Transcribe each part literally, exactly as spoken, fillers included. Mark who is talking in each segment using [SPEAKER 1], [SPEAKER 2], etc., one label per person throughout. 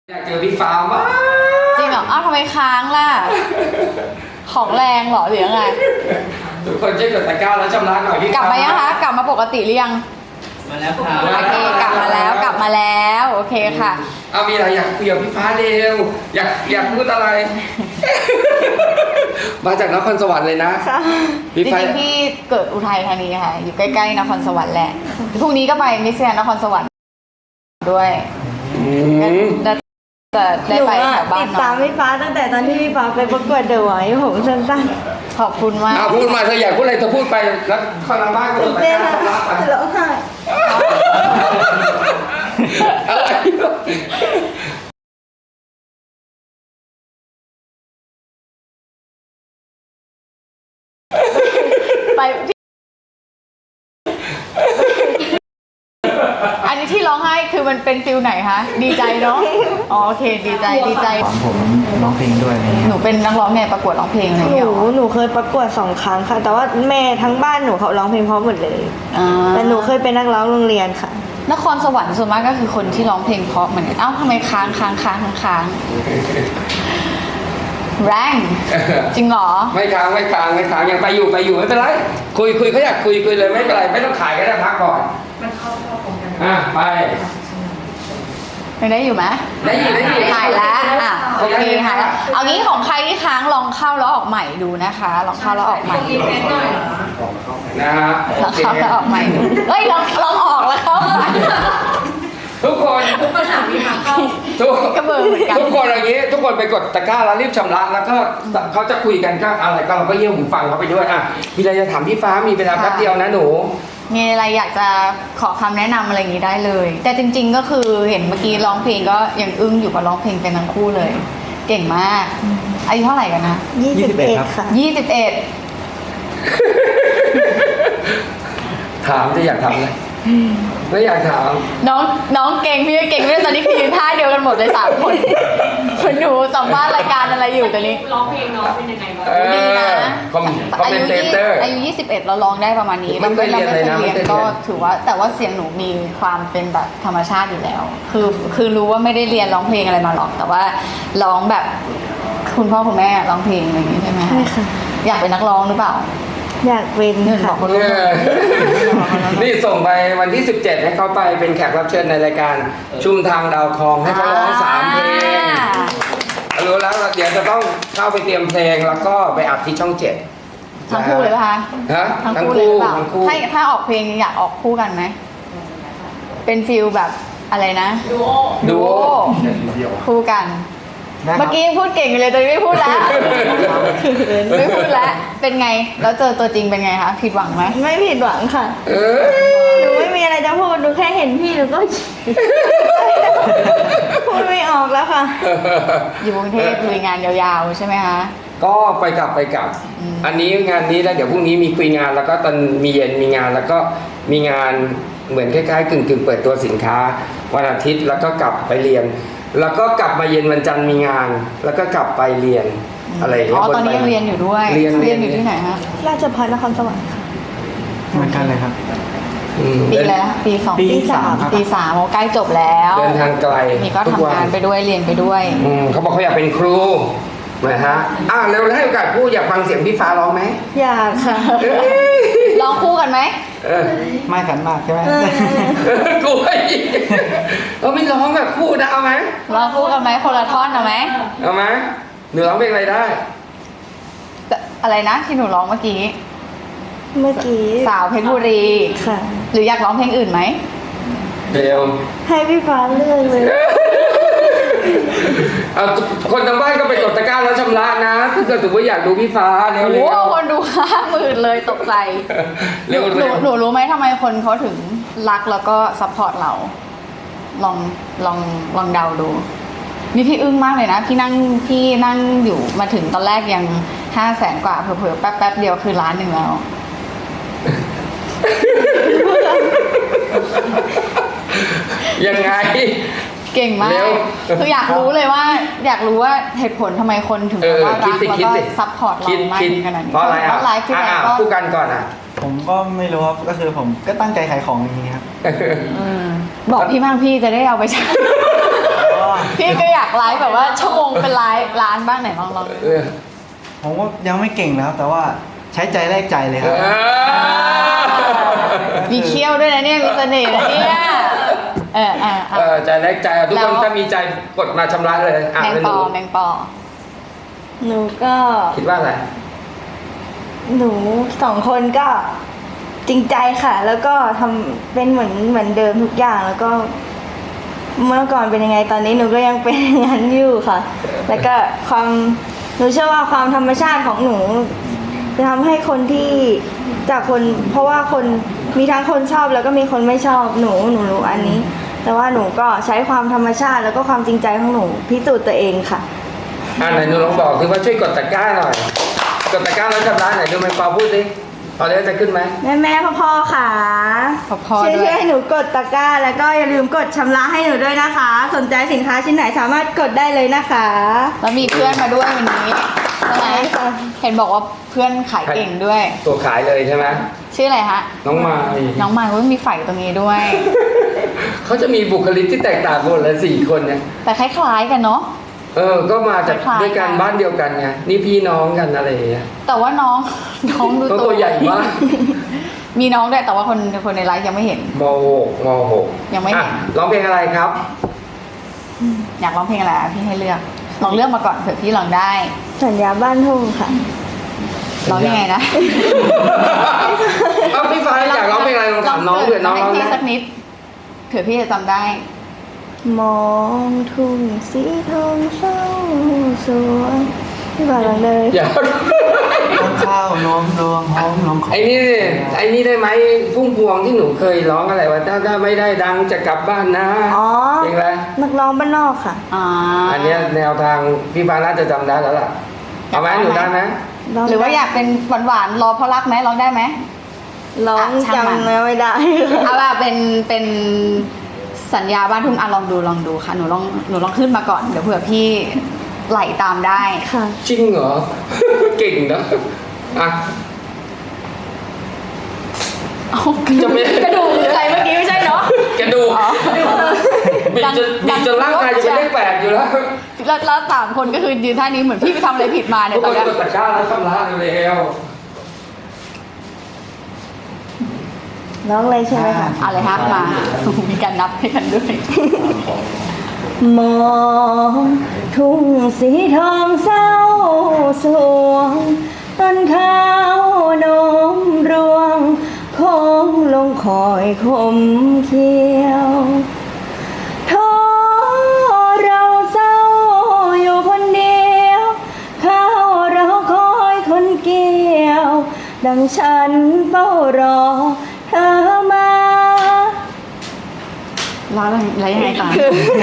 [SPEAKER 1] อยากเจอพี่ฟ้ามาก
[SPEAKER 2] จริงเหรออ้าวทำไมค้างล่ะ ของแรงเหรอหรือยังไง
[SPEAKER 1] ทุกคนช่วยกดตะกร้าแล้วชำระหน่อยพี่
[SPEAKER 2] กลับมายังคะกลับมาปกติหรือยัง
[SPEAKER 3] มาแล้วค่ะ
[SPEAKER 2] โอเคกลับมาแล้วกลับมาแล้วโอเคค่ะ
[SPEAKER 1] เอามีอะไรอยากคุยกับพี่ฟ้าเร็วอยากอยากพูดอะไร มาจากนครสวรรค์เลยนะ
[SPEAKER 2] จริงๆพี่เกิดอุทัยธานีค่ะอยู่ใกล้ๆนครสวรรค์แหละพรุ่งนี้ก็ไปมิสแกรนด์นครสวรรค์ด้วยจะได้ไปแถวบ้านติด
[SPEAKER 4] ตามพี่ฟ้าตั้งแต่ตอนที่พี่ฟ้าไปประกวดเดอะไวท์ผมสั้น
[SPEAKER 2] ๆขอบคุณมาก
[SPEAKER 1] เอาพูดมาเธออยากพูดอะไรเธอพูดไปแล้วคนทางบ้านก็จะไปชำระไป
[SPEAKER 4] ร้องไห้
[SPEAKER 1] อะไร
[SPEAKER 2] ไปอันนี้ที่ร้องไห้คือมันเป็นฟิลไหนคะดีใจเนาะอ๋อโอเคดีใจดีใจ
[SPEAKER 3] ผมร้องเพลงด้วย
[SPEAKER 2] หนูเป็นนักร้องไงประกวดร้องเพลงอะไรอย่าง
[SPEAKER 4] ห
[SPEAKER 2] เงี้ย
[SPEAKER 4] นูหนูเคยประกวดสองครั้งค่ะแต่ว่าแม่ทั้งบ้านหนูเขาร้องเพลงเพราะหมดเลยแต่หนูเคยเป็นนักร้องโรงเรียนค่ะ
[SPEAKER 2] นครสวรรค์ส่วนมากก็คือคนที่ร้องเพลงเพราะเหมือนกันเอ้าทำไมค้างค้างค้างค้างค้างแรงจริงเหรอ
[SPEAKER 1] ไม่ค้างไม่ค้างไม่ค้างยังไปอยู่ไปอยู่ไม่เป็นไรคุยคุยเขาอยากคุยคุยเลยไม่เป็นไรไม่ต้องขายก็ได้พักก่อนมันเข้าเข้าตรงกันอ่ะไป
[SPEAKER 2] ยังได้อยู่ไหม
[SPEAKER 1] ได้อยู่ได้อยู่
[SPEAKER 2] หายแล้วอ่ะโอเคหายแล้วเอางี้ของใครที่ค้างลองเข้าแล้วออกใหม่ดูนะคะลองเข้าแล้วออกใหม่ดู
[SPEAKER 1] นะฮะ
[SPEAKER 2] ลองเข้าแล้วออกใหม่ดูเฮ้ยลองลองออกแล้วเข้า
[SPEAKER 1] ทุกคน
[SPEAKER 2] ทุกคนถามมีทางเข้าทุกกระเบื้องเหมือนกัน
[SPEAKER 1] ทุกคนอย่างนี้ทุกคนไปกดตะกร้าแล้วรีบชำระแล้วก็เขาจะคุยกันก็อะไรก็เราก็เยี่ยมหูฟังเขาไปด้วยอ่ะมีอะไรจะถามพี่ฟ้ามีเวลาแป๊บเดียวนะหนู
[SPEAKER 2] มีอะไรอยากจะขอคำแนะนำอะไรอย่างนี้ได้เลยแต่จริงๆก็คือเห็นเมื่อกี้ร้องเพลงก็ยังอึ้งอยู่กับร้องเพลงเป็นทั้งคู่เลยเก่งมากอายุเท่าไหร่กันนะ
[SPEAKER 4] ยี่สิบเอ็ดค่ะ
[SPEAKER 2] ยี่สิบเอ็ด
[SPEAKER 1] ถามจะอยากทำอะไรไม่อยากถาม
[SPEAKER 2] น้องน้องเก่งพี่เก่งไม่ได้ตอนนี้คือยืนท่าเดียวกันหมดเลยสามคนคนหนูสัมภาษณ์รายการอะไรอยู่ตอนนี้
[SPEAKER 5] ร้องเพลงน้องเป็นยังไงบ้าง
[SPEAKER 2] ดีนะ
[SPEAKER 1] อายุ
[SPEAKER 2] อายุยี่สิบเอ็ดเราร้องได้ประมาณนี้
[SPEAKER 1] ไม่เคยเรียนเลยนะ
[SPEAKER 2] ไม่เคยเรียนก็ถือว่าแต่ว่าเสียงหนูมีความเป็นแบบธรรมชาติอยู่แล้วคือคือรู้ว่าไม่ได้เรียนร้องเพลงอะไรมาหรอกแต่ว่าร้องแบบคุณพ่อคุณแม่ร้องเพลงอะไรอย่างนี้ใช่ไหม
[SPEAKER 4] ใช่ค่ะ
[SPEAKER 2] อยากเป็นนักร้องหรือเปล่า
[SPEAKER 4] อยากเป็น
[SPEAKER 2] ค่ะ
[SPEAKER 1] นี่ส่งไปวันที่สิบเจ็ดให้เขาไปเป็นแขกรับเชิญในรายการชุมทางดาวคองให้เขาร้องสามเพลงรู้แล้วเดี๋ยวจะต้องเข้าไปเตรียมเพลงแล้วก็ไปอัดที่ช่องเจ็ด
[SPEAKER 2] ทั้งคู่เลยป่ะคะ
[SPEAKER 1] ฮะ
[SPEAKER 2] ทั้งคู่เลยป่ะถ้าถ้าออกเพลงอยากออกคู่กันไหมเป็นฟิลแบบอะไรนะ
[SPEAKER 5] ดูโอ
[SPEAKER 1] ดูโอ
[SPEAKER 2] คู่กันเมื่อกี้ยังพูดเก่งอยู่เลยตอนนี้ไม่พูดแล้วไม่พูดแล้วเป็นไงแล้วเจอตัวจริงเป็นไงคะผิดหวังไหม
[SPEAKER 4] ไม่ผิดหวังค่ะหนูไม่มีอะไรจะพูดหนูแค่เห็นพี่หนูก็พูดไม่ออกแล้วค่ะ
[SPEAKER 2] อยู่กรุงเทพลุยงานยาวๆใช่ไหมคะ
[SPEAKER 1] ก็ไปกลับไปกลับอันนี้งานนี้แล้วเดี๋ยวพรุ่งนี้มีคุยงานแล้วก็ตอนมีเย็นมีงานแล้วก็มีงานเหมือนคล้ายๆกึ่งๆเปิดตัวสินค้าวันอาทิตย์แล้วก็กลับไปเรียนแล้วก็กลับมาเย็นวันจันทร์มีงานแล้วก็กลับไปเรียนอะไรอย่างเงี้ย
[SPEAKER 2] อ๋อตอนนี้ยังเรียนอยู่ด้วย
[SPEAKER 1] เรียน
[SPEAKER 2] เรียนอยู่ที่ไหนฮะ
[SPEAKER 4] ราชภัฏนครสวรรค์ค่ะ
[SPEAKER 3] เหมือนกันเลยครับ
[SPEAKER 2] ปีแล้วปีสอง
[SPEAKER 4] ปีสาม
[SPEAKER 2] ปีสามโอ้ใกล้จบแล้ว
[SPEAKER 1] เดินทางไกล
[SPEAKER 2] นี่ก็ทำงานไปด้วยเรียนไปด้วย
[SPEAKER 1] เขาบอกเขาอยากเป็นครูนะฮะอ้าวเร็วแล้วให้โอกาสพูดอยากฟังเสียงพี่ฟ้าร้องไหม
[SPEAKER 4] อยากค่ะ
[SPEAKER 2] ร้องคู่กันไหม
[SPEAKER 3] ไม่ขันมากใช่ไหม
[SPEAKER 1] กูไอ้เราไม่ร้องแบบคู่นะเอาไหม
[SPEAKER 2] ร้องคู่กันไหมคนละท่อนเอาไหม
[SPEAKER 1] เอาไหมหนูร้องเพลงอะไรได้
[SPEAKER 2] อะไรนะที่หนูร้องเมื่อกี้
[SPEAKER 4] เมื่อกี้
[SPEAKER 2] สาวเพชรบุรี
[SPEAKER 4] ค่ะ
[SPEAKER 2] หรืออยากร้องเพลงอื่นไหม
[SPEAKER 1] เดี๋ยว
[SPEAKER 4] ให้พี่ฟ้าเลือกเลย
[SPEAKER 1] เอาคนทางบ้านก็ไปกดตะกร้าแล้วชำระนะถ้าเกิดสมมติอยากดูพี่ฟ้าเร็วๆโอ้
[SPEAKER 2] คนดูห้าหมื่นเลยตกใจหนูหนูรู้ไหมทำไมคนเขาถึงรักแล้วก็ซัพพอร์ตเราลองลองลองเดาดูนี่พี่อึ้งมากเลยนะพี่นั่งพี่นั่งอยู่มาถึงตอนแรกยังห้าแสนกว่าเผลอๆแป๊บแป๊บเดียวคือล้านหนึ่งแล้ว
[SPEAKER 1] ยังไง
[SPEAKER 2] เก่งมากคืออยากรู้เลยว่าอยากรู้ว่าเหตุผลทำไมคนถึงว่ารักแล้วก็ซัพพอร์ตเรามากขนาดนี้
[SPEAKER 1] เพราะอะไรอ่ะอ่ะพูดกันก่อนอ่ะ
[SPEAKER 3] ผมก็ไม่รู้ครับก็คือผมก็ตั้งใจขายของอย่างนี้ครับ
[SPEAKER 2] บอกพี่บ้างพี่จะได้เอาไปใช้พี่ก็อยากไลฟ์แบบว่าชั่วโมงเป็นไลฟ์ร้านบ้างไหนลองลอง
[SPEAKER 1] เออ
[SPEAKER 3] ผมก็ยังไม่เก่งนะครับ แต่ว่าใช้ใจแลกใจเลยครับ
[SPEAKER 1] เออ
[SPEAKER 2] มีเคี้ยวด้วยนะเนี่ยมีเสน่ห์นะเนี่ยเออเออเอ
[SPEAKER 1] เอ
[SPEAKER 2] อ
[SPEAKER 1] อใจแรกใจอ่ะทุกคนถ้ามีใจกดมาชำระเลยอ่ะ
[SPEAKER 2] แมง
[SPEAKER 1] เป็น
[SPEAKER 2] ป
[SPEAKER 1] ห
[SPEAKER 2] อ
[SPEAKER 1] นู
[SPEAKER 2] แมงปอ
[SPEAKER 4] หนูก็
[SPEAKER 1] คิดว่าอะไร
[SPEAKER 4] หนูสองคนก็จริงใจค่ะ แล้วก็ทำเป็นเหมือนเหมือนเดิมทุกอย่างแล้วก็ เมื่อก่อนเป็นยังไงตอนนี้หนูก็ยังเป็นอย่างนั้นอยู่ค่ะ แล้วก็ความหนูเชื่อว่าความธรรมชาติของหนูจะทำให้คนที่จากคน เพราะว่าคนมีทั้งคนชอบแล้วก็มีคนไม่ชอบหนูหนูรู้อันนี้ แต่ว่าหนูก็ใช้ความธรรมชาติแล้วก็ความจริงใจของหนูพิสูจน์ตัวเองค่ะ
[SPEAKER 1] อ่าไหนหนูลองบอกคือว่าช่วยกดตะกร้าหน่อย กดตะกร้าแล้วชำระไหนดูไหมปอพูดสิพอแล้วจะขึ้นไหม
[SPEAKER 4] แม่แม่พ่อพ่อๆค่ะ
[SPEAKER 2] พอพอ
[SPEAKER 4] ช่วย
[SPEAKER 2] ด้ว
[SPEAKER 4] ช่วย ยให้หนูกดตะกร้า แล้วก็อย่าลืมกดชำระให้หนูด้วยนะคะ สนใจสินค้าชิ้นไหนสามารถกดได้เลยนะคะ
[SPEAKER 2] แล้วมีเพื่อนมาด้วยวันนี้ใช่ไหม
[SPEAKER 4] ใช่ค่ะ
[SPEAKER 2] เห็นบอกว่าเพื่อนขายเก่งด้วย
[SPEAKER 1] ตัวขายเลยใช่ไหม
[SPEAKER 2] ชื่ออะไรฮะ
[SPEAKER 1] น้องมาย
[SPEAKER 2] น้องมายก็มีไฝตรงนี้ด้วย
[SPEAKER 1] เขาจะมีบุคลิกที่แตกต่างกันเลยสี่คนเนี่ย
[SPEAKER 2] แต่คล้ายๆกันเนาะ
[SPEAKER 1] เออ ก็มาจาก
[SPEAKER 2] คล้ายๆ
[SPEAKER 1] ด้วยกัน
[SPEAKER 2] กัน
[SPEAKER 1] บ้านเดียวกันไง นี่พี่น้องกันอะไรอย่างเงี้ย
[SPEAKER 2] แต่ว่าน้อง น้องดู
[SPEAKER 1] ก็ตัวใหญ่มาก
[SPEAKER 2] มีน้องด้วยแต่ว่าคนคนในไลฟ์ยังไม่เห็น
[SPEAKER 1] มหกมหก
[SPEAKER 2] ยังไม่เห็น
[SPEAKER 1] อ่ะร้องเพลงอะไรครับ
[SPEAKER 2] อยากร้องเพลงอะไรอ่ะพี่ให้เลือก ลองเลือกมาก่อนเผื่อพี่ลองได้
[SPEAKER 4] สัญญาบ้านทุ่งค่ะ
[SPEAKER 2] ร้องยังไงนะ
[SPEAKER 1] เอ้าพี่ฟ้าอยากร้องเพลงอะไรลองถามน้องเผื่อน้อง
[SPEAKER 2] ให้
[SPEAKER 1] ร้อง
[SPEAKER 2] พี่
[SPEAKER 1] ได้
[SPEAKER 2] สักนิดเผื่อพี่จะจำได้
[SPEAKER 4] มองทุ่งสีทองเศร้าสวยพี่บาลองเลย
[SPEAKER 1] อยาก
[SPEAKER 3] ต้นข้าวล้มรวงหอมลงขอ
[SPEAKER 1] ไอ้นี่สิไอ้นี่ได้ไหมพุ่งพวงที่หนูเคยร้องอะไรวะถ้าถ้าไม่ได้ดังจะกลับบ้านนะ
[SPEAKER 4] อ๋อ
[SPEAKER 1] เพลงอะไร
[SPEAKER 4] นักร้องบ้านนอกค่ะ
[SPEAKER 2] อ่า
[SPEAKER 1] อันเนี้ยแนวทางพี่ฟ้าน่าจะจำได้แล้วล่ะเอาไหมหนูได้ไหม
[SPEAKER 4] ร้ง
[SPEAKER 2] หรือว่าอยากเป็นหวานๆรอเพราะรักไหมร้องได้ไหม
[SPEAKER 4] ร้อง
[SPEAKER 2] อ่ะช่างมัน
[SPEAKER 4] จำเนื้อไม่ได้
[SPEAKER 2] เอาล่ะเป็นเป็นสัญญาบ้านทุ่งอ่ะลองดูลองดูค่ะหนูลองหนูลองขึ้นมาก่อนเดี๋ยวเผื่อพี่ไหลตามได้
[SPEAKER 4] ค่ะ
[SPEAKER 1] จริงเหรอ เก่งนะอ่ะ
[SPEAKER 2] เอา
[SPEAKER 1] จะไม่
[SPEAKER 2] กระดูกหรืออะไรเมื่อกี้ไม่ใช่เนาะ
[SPEAKER 1] กระดูก
[SPEAKER 2] อ๋อ
[SPEAKER 1] บิดจน
[SPEAKER 2] ดั
[SPEAKER 1] บิ
[SPEAKER 2] ง
[SPEAKER 1] ดจนร่างกายจะเป็นเลขแปดอยู่แล้ว
[SPEAKER 2] แล้วแล้วสามคนก็คือยืนท่านี้เหมือนพี่ไปทำอะไรผิดมาเนี่
[SPEAKER 1] ทุ
[SPEAKER 2] ย
[SPEAKER 1] ก
[SPEAKER 2] ต
[SPEAKER 1] ค
[SPEAKER 2] อน
[SPEAKER 1] น
[SPEAKER 2] เนี้ย
[SPEAKER 1] กดตะกร้าแล้วชำระเร็ว
[SPEAKER 4] ร้องเลยใช่ไหมคะ
[SPEAKER 2] อะไรฮะมามีการนับให้กันด้วย
[SPEAKER 4] มองทุ่งสีทองเศร้าสวงต้นข้าวนมรวงโค้งลงคอยคมเขียวท้อเราเศร้าอยู่คนเดียวข้าวเราคอยคนเกี่ยว ดังฉันเฝ้ารอเธอมา
[SPEAKER 2] แล้วแล้วยังไงต่อ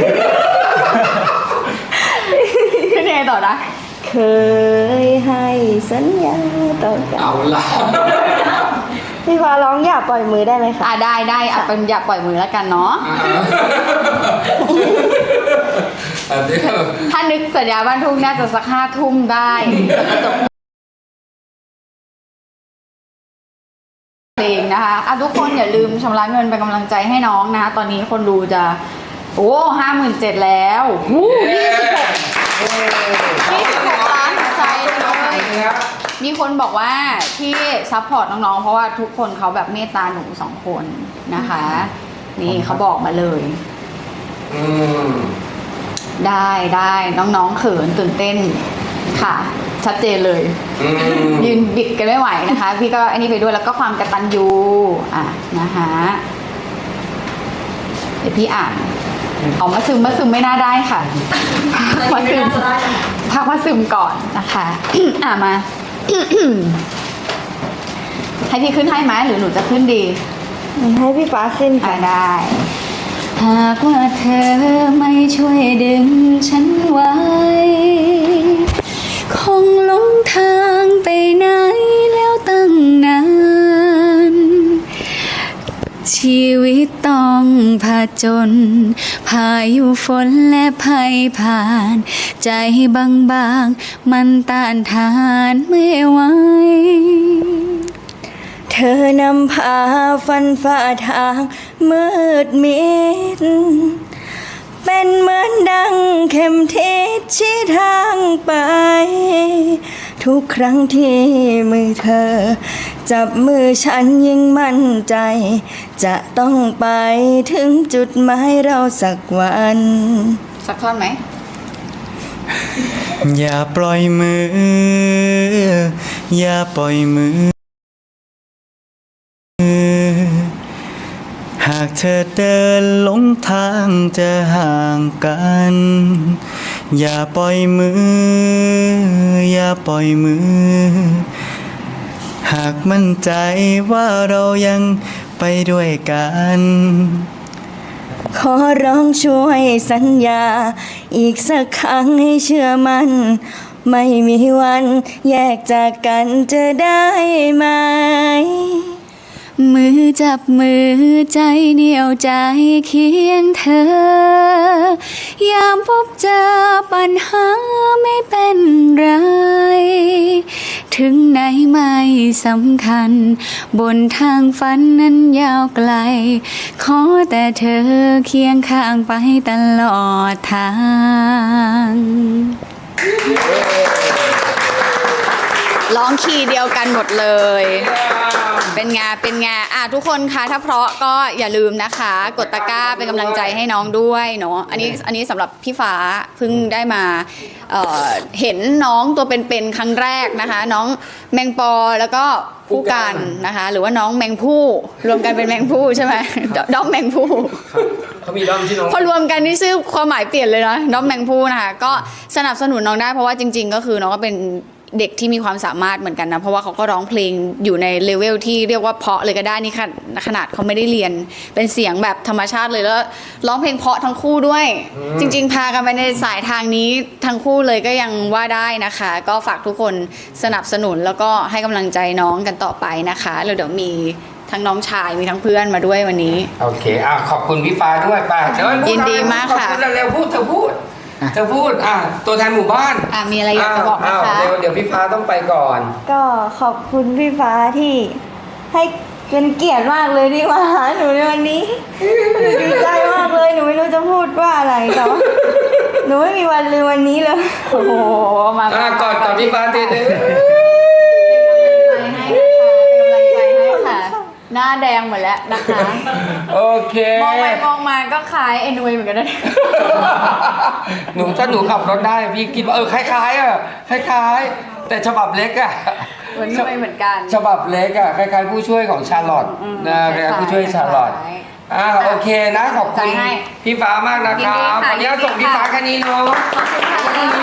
[SPEAKER 2] ขึ้นยังไงต่อนะ
[SPEAKER 4] เคยให้สัญญาต่อกัน
[SPEAKER 1] เอาละ
[SPEAKER 4] พี่ฟ้าร้องอย่าปล่อยมือได้ไหมคะ
[SPEAKER 2] อ่ะได้ได้อ่ะเป็นอย่าปล่อยมือแล้วกันเนาะ
[SPEAKER 1] อันนี้
[SPEAKER 2] ถ้านึกสัญญาบ้านทุ่งน่าจะสักห้าทุ่มได้จบเพลงนะคะอ่ะทุกคนอย่าลืมชำระเงินเป็นกำลังใจให้น้องนะคะตอนนี้คนดูจะโอ้ห้าหมื่นเจ็ดแล้ววู้ยี่สิบหกยี่สิบหกล้านหัวใจเลยมีคนบอกว่าที่ซัพพอร์ตน้องๆเพราะว่าทุกคนเขาแบบเมตตาหนูสองคนนะคะ นี่เขาบอกมาเลย
[SPEAKER 1] อืม
[SPEAKER 2] ได้ได้น้องๆเขินตื่นเต้นค่ะ ชัดเจนเลย
[SPEAKER 1] อืม
[SPEAKER 2] ยืนบิดกันไม่ไหวนะคะ พี่ก็อันนี้ไปด้วยแล้วก็ความกตัญญูอ่ะนะคะเดี๋ยวพี่อ่านออกมาซึมมาซึมไม่น่าได้ค่ะพักมาซึมพักมาซึมก่อนนะคะ อ่ะมา ให้พี่ขึ้นให้ไหมหรือหนูจะขึ้นดี
[SPEAKER 4] ให้พี่ฟ้าขึ้น
[SPEAKER 2] อ่ะ
[SPEAKER 4] ค่ะ
[SPEAKER 2] ได้ หากว่าเธอไม่ช่วยดึงฉันไว้ คงหลงทางไปไหนแล้วตั้งนาน ชีวิตต้องผจญพายุฝนและภัยผ่าน ใจบางๆมันต้านทานไม่ไหว
[SPEAKER 4] เธอนำพาฟันฝ่าทางมืดมิดเป็นเหมือนดังเข็มทิศชี้ทางไป ทุกครั้งที่มือเธอ จับมือฉันยิ่งมั่นใจ จะต้องไปถึงจุดหมายเราสักวัน
[SPEAKER 2] สักท่อนไหม
[SPEAKER 3] อย่าปล่อยมือ อย่าปล่อยมือ หากเธอเดินหลงทางจะห่างกัน อย่าปล่อยมือ อย่าปล่อยมือ หากมั่นใจว่าเรายังไปด้วยกัน
[SPEAKER 4] ขอร้องช่วยสัญญา อีกสักครั้งให้เชื่อมัน ไม่มีวันแยกจากกันจะได้ไหม
[SPEAKER 2] มือจับมือใจเหนี่ยวใจเคียงเธอยามพบเจอปัญหาไม่เป็นไร ถึงไหนไม่สำคัญ บนทางฝันนั้นยาวไกล ขอแต่เธอเคียงข้างไปตลอดทาง ร้องคีย์เดียวกันหมดเลย เป็นไงเป็นไงอ่ะทุกคนคะถ้าเพราะก็อย่าลืมนะคะ กดตะกร้าเป็นกำลังใจให้น้องด้วยเนาะอันนี้อันนี้สำหรับพี่ฟ้าเพิ่งได้มาเอ่อเห็นน้องตัวเป็นๆครั้งแรกนะคะ น้องแมงปอแล้วก็ผู้กันนะคะ หรือว่าน้องแมงผู้รวมกันเป็นแมงผู้ใช่ไหมด้อมแมงผู้
[SPEAKER 1] เขามีด้อมที่น้อง
[SPEAKER 2] พอรวมกันนี่ชื่อความหมายเปลี่ยนเลยนะด้อมแมงผู้นะคะก็สนับสนุนน้องได้เพราะว่าจริง ๆ ก็คือน้องก็เป็นเด็กที่มีความสามารถเหมือนกันนะเพราะว่าเขาก็ร้องเพลงอยู่ในเลเวลที่เรียกว่าเพราะเลยก็ได้นี่ค่ะขนาดเขาไม่ได้เรียนเป็นเสียงแบบธรรมชาติเลยแล้วร้องเพลงเพราะทั้งคู่ด้วย จริง ๆ พากันไปในสายทางนี้ทั้งคู่เลยก็ยังว่าได้นะคะ ก็ฝากทุกคนสนับสนุนแล้วก็ให้กำลังใจน้องกันต่อไปนะคะแล้วเดี๋ยวมีทั้งน้องชายมีทั้งเพื่อนมาด้วยวันนี้
[SPEAKER 1] โอเคอ่ะขอบคุณพี่ฟ้าด้วยไป่ะเดี๋ยว
[SPEAKER 2] ยินดีมากค่ะ
[SPEAKER 1] ขอบคุณเร็วๆพูดเธอพูดเธอพูดอ่ะตัวแทนหมู่บ้าน
[SPEAKER 2] อ่ะมีอะไรอยากจะบอกนะคะ
[SPEAKER 1] าวเร็วเดี๋ยวพี่ฟ้าต้องไปก่อน
[SPEAKER 4] ก็ขอบคุณพี่ฟ้าที่ให้เป็นเกียรติมากเลยที่มาหาหนูในวันนี้หนูดีใจมากเลยหนูไม่รู้จะพูดว่าอะไรแต่ว่าหนูไม่มีวันลืมวันนี้เลย
[SPEAKER 2] โอ้โหมา
[SPEAKER 1] อ่ะกอดกับพี่ฟ้าทีนึง
[SPEAKER 2] เป็นกำลังใจให้ค่ะ หน้าแดงหมดแล้วนะคะ
[SPEAKER 1] โอเค
[SPEAKER 2] มองไปมองมาก็คล้ายเอ็นวีเหมือนกันนะ
[SPEAKER 1] หนูถ้าหนูขับรถได้พี่คิดว่าเออคล้ายๆอ่ะคล้ายๆ แต่ฉบับเล็กอ่ะ
[SPEAKER 2] เหมือนด้วยเหมือนกัน
[SPEAKER 1] ฉบับเล็กอ่ะคล้ายๆผู้ช่วยของชาร์ลอต
[SPEAKER 2] อืม
[SPEAKER 1] นะ
[SPEAKER 2] ค
[SPEAKER 1] ค
[SPEAKER 2] ล้าย
[SPEAKER 1] ล้าย
[SPEAKER 2] ๆ
[SPEAKER 1] ๆผู้ช่วยชาร์ลอต
[SPEAKER 2] คล้าย
[SPEAKER 1] อ่าโอเคนะขอบคุณ
[SPEAKER 2] ใจให้
[SPEAKER 1] พี่ฟ้ามากนะครับ
[SPEAKER 2] ยินดีค่ะ
[SPEAKER 1] วันนี้ส่งพี่ฟ้าแค่นี้เนาะ
[SPEAKER 2] ขอบคุณค่ะ